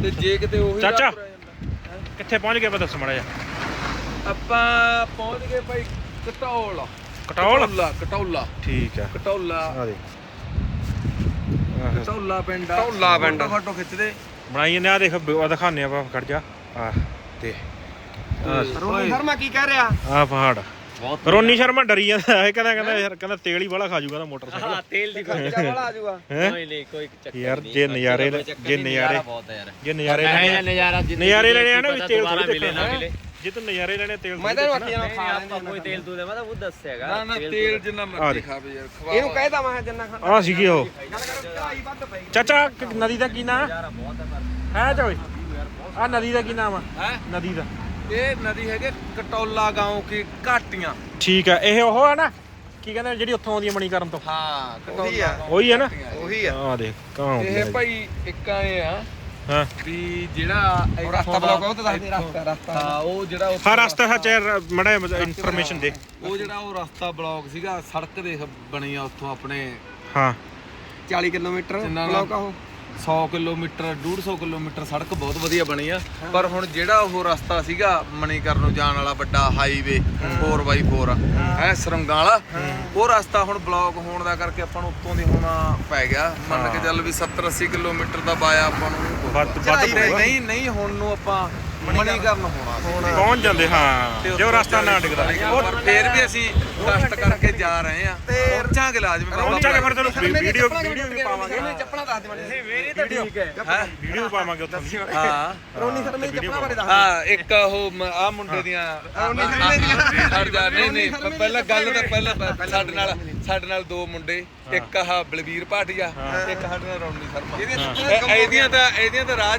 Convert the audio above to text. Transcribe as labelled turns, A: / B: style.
A: ਤੇ ਜੇ ਕਿਤੇ ਉਹੀ
B: ਚਾਚਾ ਕਿੱਥੇ ਪਹੁੰਚ ਗਏ? ਦੱਸ ਮਾੜਾ ਜਿਹਾ।
A: ਆਪਾਂ ਪਹੁੰਚ ਗਏ ਭਾਈ ਕਟੌਲ। ਕਟੌਲਾ
B: ਠੀਕ ਆ।
A: ਕਟੌਲਾ
B: ਆ ਦੇ
A: ਕਟੌਲਾ ਪਿੰਡ ਆ। ਕਟੌਲਾ ਪਿੰਡ ਫੋਟੋ ਖਿੱਚਦੇ
B: ਬਣਾਈ ਨੇ। ਆ ਦੇਖ ਦਿਖਾਉਂਦੇ ਆਪਾਂ, ਖੜ ਜਾ। ਆ ਤੇ
A: ਰੋਣੀ ਸ਼ਰਮਾ ਕੀ ਕਹਿ ਰਿਹਾ?
B: ਆ ਪਹਾੜ। ਰੋਨੀ ਸ਼ਰਮਾ ਡਰੀ ਜਾਂਦਾ। ਇਹ ਕਹਿੰਦਾ ਯਾਰ ਤੇਲ ਹੀ ਵਾਲਾ ਖਾ ਜੂਗਾ ਤਾਂ ਮੋਟਰਸਾਈਕਲ।
C: ਹਾਂ ਤੇਲ ਦੀ
A: ਖਰਚਾ ਵਾਲਾ ਆ ਜਾਊਗਾ।
C: ਨਹੀਂ ਕੋਈ ਚੱਕਰ
B: ਯਾਰ
C: ਨਹੀਂ
B: ਜੇ ਨਜ਼ਾਰੇ
C: ਬਹੁਤ ਹੈ ਯਾਰ।
B: ਜੇ ਨਜ਼ਾਰੇ
C: ਨਜ਼ਾਰੇ
B: ਲੈਣੇ ਆ ਨਾ ਵੀ ਤੇਲ
C: ਦੁਬਾਰਾ
B: ਥੋੜੀ
C: ਮਿਲੇ ਨਾ ਮਿਲੇ।
B: ਜੇ ਤੂੰ ਨਜ਼ਾਰੇ ਲੈਣੇ ਤੇਲ
A: ਮੈਂ ਤਾਂ ਅੱਗੇ ਨਾਲ ਖਾ
C: ਆਪਾਂ ਕੋਈ ਤੇਲ ਤੂੰ ਦੇ ਮੈਂ ਤਾਂ ਉਹ ਦੱਸਿਆਗਾ।
A: ਨਾ ਨਾ ਤੇਲ ਜਿੰਨਾ ਮਰਜ਼ੀ ਖਾਵੇ ਯਾਰ। ਖਵਾ
D: ਇਹਨੂੰ ਕਹਿਦਾ ਮੈਂ ਜਿੰਨਾ ਖਾਣਾ।
B: ਆ ਸੀਗੀ ਉਹ
D: ਗੱਲ ਕਰ ਚੜਾਈ ਵੱਧ ਪਈ।
B: ਚਾਚਾ ਨਦੀ ਦਾ ਕੀ ਨਾਮ ਹੈ? ਚੋਈ ਆ ਨਦੀ ਦਾ ਕੀ ਨਾਮ ਆ?
A: ਹੈ
B: ਨਦੀ ਦਾ
A: ਇਹ ਨਦੀ ਹੈਗੇ ਕਟੌਲਾ گاؤں ਕੀ ਘਾਟੀਆਂ।
B: ਠੀਕ ਆ। ਇਹ ਉਹ ਆ ਨਾ ਕੀ ਕਹਿੰਦੇ ਜਿਹੜੀ ਉੱਥੋਂ ਆਉਂਦੀ ਮਣੀਕਰਨ ਤੋਂ?
A: ਹਾਂ
D: ਉਹੀ ਆ।
B: ਉਹੀ ਆ ਨਾ?
D: ਉਹੀ ਆ।
B: ਆ ਦੇਖ ਕਾਂ
A: ਇਹ ਭਾਈ ਇੱਕ ਆਏ ਆ
B: ਹਾਂ
A: ਵੀ ਜਿਹੜਾ
D: ਉਹ ਰਸਤਾ ਬਲੌਕ ਉਹ ਤਾਂ ਦੱਸ ਦੇ ਰਸਤਾ।
A: ਹਾਂ ਉਹ ਜਿਹੜਾ
B: ਹਾਂ ਰਸਤਾ ਸੱਚ ਮੜਾ ਇਨਫੋਰਮੇਸ਼ਨ ਦੇ।
A: ਉਹ ਜਿਹੜਾ ਉਹ ਰਸਤਾ ਬਲੌਕ ਸੀਗਾ। ਸੜਕ ਦੇਖ ਬਣੀ ਆ ਉੱਥੋਂ ਆਪਣੇ
B: ਹਾਂ
D: 40 ਕਿਲੋਮੀਟਰ
A: ਜਿੰਨਾ
D: ਬਲੌਕ ਆ ਉਹ।
A: 100 ਕਿਲੋਮੀਟਰ 150 ਕਿਲੋਮੀਟਰ ਸੜਕ ਬਹੁਤ ਵਧੀਆ ਬਣੀ ਆ। ਪਰ ਹੁਣ ਜਿਹੜਾ ਉਹ ਰਸਤਾ ਸੀਗਾ ਮਣੀਕਰਨ ਨੂੰ ਜਾਣ ਵਾਲਾ ਵੱਡਾ ਹਾਈਵੇ 4x4 ਹੈ ਸੁਰੰਗਾਂ ਵਾਲਾ, ਉਹ ਰਸਤਾ ਹੁਣ ਬਲੌਕ ਹੋਣ ਦਾ ਕਰਕੇ ਆਪਾਂ ਨੂੰ ਉੱਤੋਂ ਦੀ ਹੋਣਾ ਪੈ ਗਿਆ। ਮੰਨ ਕੇ ਚੱਲ ਵੀ 70-80 ਕਿਲੋਮੀਟਰ ਦਾ ਬਾਇਆ ਆਪਾਂ ਨੂੰ
B: ਵੱਧ
A: ਨਹੀਂ ਹੁਣ ਨੂੰ ਆਪਾਂ ਮਣੀਕਰਨ ਹੋਣਾ
B: ਪਹੁੰਚ ਜਾਂਦੇ। ਹਾਂ ਜੇ ਉਹ ਰਸਤਾ ਨਾ ਡਿੱਗਦਾ।
A: ਪਰ ਫੇਰ ਵੀ ਅਸੀਂ ਕਸ਼ਟ ਕਰਕੇ ਜਾ ਰਹੇ ਆ ਤੇ ਪਹੁੰਚਾਂਗੇ ਲਾਜ਼ਮੀ।
B: ਪਹੁੰਚਾਂਗੇ ਫਿਰ ਤੁਹਾਨੂੰ ਵੀਡੀਓ ਵੀ ਪਾਵਾਂਗੇ।
D: ਚੱਪਲਾਂ ਦੱਸ ਦੇ ਮੈਨੂੰ।
A: ਮੇਰੀ ਤਾਂ ਠੀਕ ਹੈ।
B: ਵੀਡੀਓ ਪਾਵਾਂਗੇ ਉੱਥੋਂ ਦੀ।
A: ਹਾਂ
D: ਰੋਣੀ ਸ਼ਰਮੇ ਦੀ ਚੱਪਲਾਂ ਬਾਰੇ ਦੱਸ।
A: ਹਾਂ ਇੱਕ ਉਹ ਆ ਮੁੰਡੇ ਦੀਆਂ ਛੱਡ ਜਾ। ਨਹੀਂ ਪਹਿਲਾਂ ਗੱਲ ਤਾਂ ਪਹਿਲਾਂ ਸਾਡੇ ਨਾਲ ਦੋ ਮੁੰਡੇ, ਇੱਕ ਆਹ ਬਲਵੀਰ ਭਾਟੀਆ, ਇੱਕ ਸਾਡੇ ਨਾਲ ਰੌਣੀ ਸ਼ਰਮਾ। ਇਹਦੀਆਂ ਤਾਂ ਰਾਹ